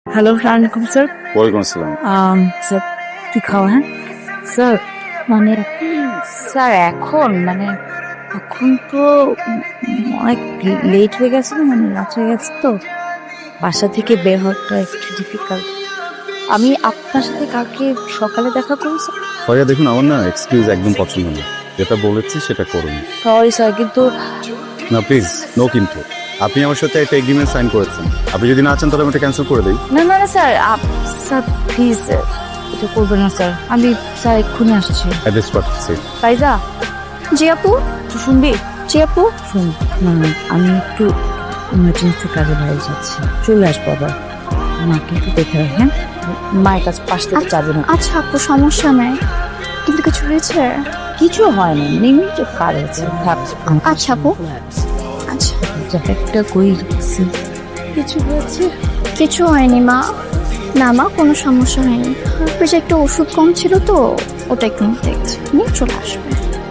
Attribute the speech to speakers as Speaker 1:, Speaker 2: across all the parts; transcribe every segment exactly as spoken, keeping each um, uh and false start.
Speaker 1: Hello আসসালামাইকুম sir.
Speaker 2: ওয়ালাইকুম আসসালাম।
Speaker 1: আম স্যার কি খাওয়া হ্যাঁ স্যার মানে স্যার এখন মানে এখন তো অনেক লেট হয়ে গেছে না, মানে রাত হয়ে গেছে তো বাসা থেকে বের হওয়াটা একটু ডিফিকাল্ট। আমি আপনার সাথে কালকে সকালে দেখা করবো স্যার।
Speaker 2: ভাইয়া দেখুন, আমার না এক্সকিউজ একদম পছন্দ না। যেটা বলেছি সেটা করুন।
Speaker 1: সরি স্যার, কিন্তু
Speaker 2: না প্লিজ, নো কিন্তু। আপনি আমার সাথে একটা এগ্রিমেন্ট সাইন করেছেন। আপনি যদি না চান তাহলে আমি এটা ক্যান্সেল করে দিই।
Speaker 1: না না না স্যার, আপ- স্যার প্লিজ এটা করবেন না স্যার। আমি স্যার এক্ষুনি আসছি।
Speaker 2: অ্যাড্রেস পাঠাচ্ছি।
Speaker 1: ফাইজা
Speaker 3: জি আপু।
Speaker 1: তুই শুনবি?
Speaker 3: জি আপু।
Speaker 1: শুন না, আমি একটু ইমার্জেন্সি কাজে বাইরে যাচ্ছি, চলে আসবো আবার। মাকে একটু দেখে রাখ, হ্যাঁ? মায়ের কাছে পাশ থেকে যাবে না।
Speaker 3: আচ্ছা আপু, সমস্যা নাই, কিন্তু কিছু হয়েছে?
Speaker 1: কিছু হয় না, নিমিট কাজ আছে। থাক।
Speaker 3: আচ্ছা আপু। আচ্ছা,
Speaker 1: জ্যাকেটটা কই রাখছি? কিছু হয়েছে?
Speaker 3: কিছু হয়নি মা। না মা, কোনো সমস্যা হয়নি। বেশ একটা ওষুধ কম ছিল তো, ওটা একটু দেখছি, নিয়ে চলে আসবে।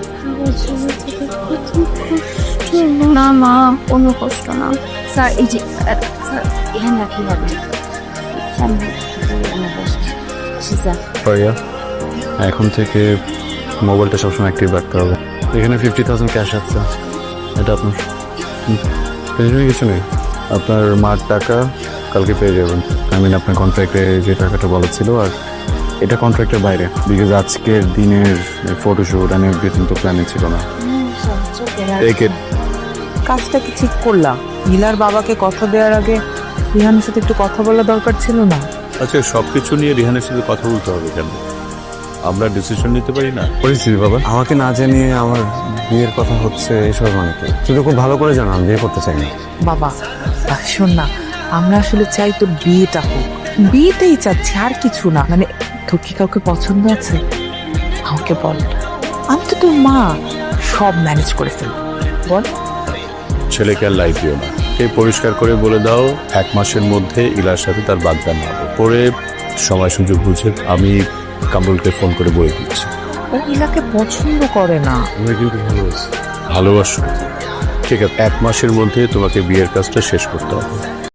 Speaker 3: না মা, কোনো কষ্ট না।
Speaker 1: স্যার এই যে আহ, স্যার এখানে রাখি হবে সামনে আমার বসে। স্যার
Speaker 2: ভাইয়া এখন থেকে মোবাইলটা সবসময় অ্যাক্টিভ রাখতে হবে। এখানে ফিফটি থাউজেন্ড ক্যাশ আছে, এটা আপনার। টেনশনের কিছু নেই, আপনার মার টাকা কালকে পেয়ে যাবেন। আই মিন আপনার কন্ট্রাক্টে যে টাকাটা বলা ছিল, আর এটা কন্ট্রাক্টের বাইরে, বিকজ আজকের দিনের ফটোশুট অ্যান্ড এভরিথিং তো প্ল্যানে ছিল না। একে
Speaker 4: কাজটা কি ঠিক করলাম? নীলার বাবাকে কথা দেওয়ার আগে রিহানের সাথে একটু কথা বলা দরকার ছিল না?
Speaker 5: আচ্ছা, সবকিছু নিয়ে রিহানের সাথে কথা বলতে হবে কেন? আমরা ডিসিশন নিতে পারি না?
Speaker 2: পরিস্থিতি বাবা, আমাকে না জানিয়ে আমার বিয়ের কথা হচ্ছে, এসব মানে কি? তুই তো খুব ভালো করে জানো আমি বিয়ে করতে চাই না।
Speaker 4: বাবা আহ, শোন না, আমরা আসলে চাই তোর বিয়েটা হোক, বিয়েটাই চাচ্ছি, আর কিছু না। মানে তোর কি কাউকে পছন্দ আছে? আমাকে বল, আমি তো তোর মা, সব ম্যানেজ করে ফেলবো। বল।
Speaker 5: ছেলেকে আর লাইফ দিও না, এই পরিষ্কার করে বলে দাও এক মাসের মধ্যে ইলার সাথে তার বাগদান হবে। পরে সময় সুযোগ বুঝে আমি কামরুলকে ফোন করে বলে দিচ্ছি।
Speaker 4: ও ইলাকে পছন্দ করে না।
Speaker 5: আমি কিন্তু ভালোবাসি। ভালোবাসো? ঠিক আছে, এক মাসের মধ্যে তোমাকে বিয়ের কাজটা শেষ করতে হবে।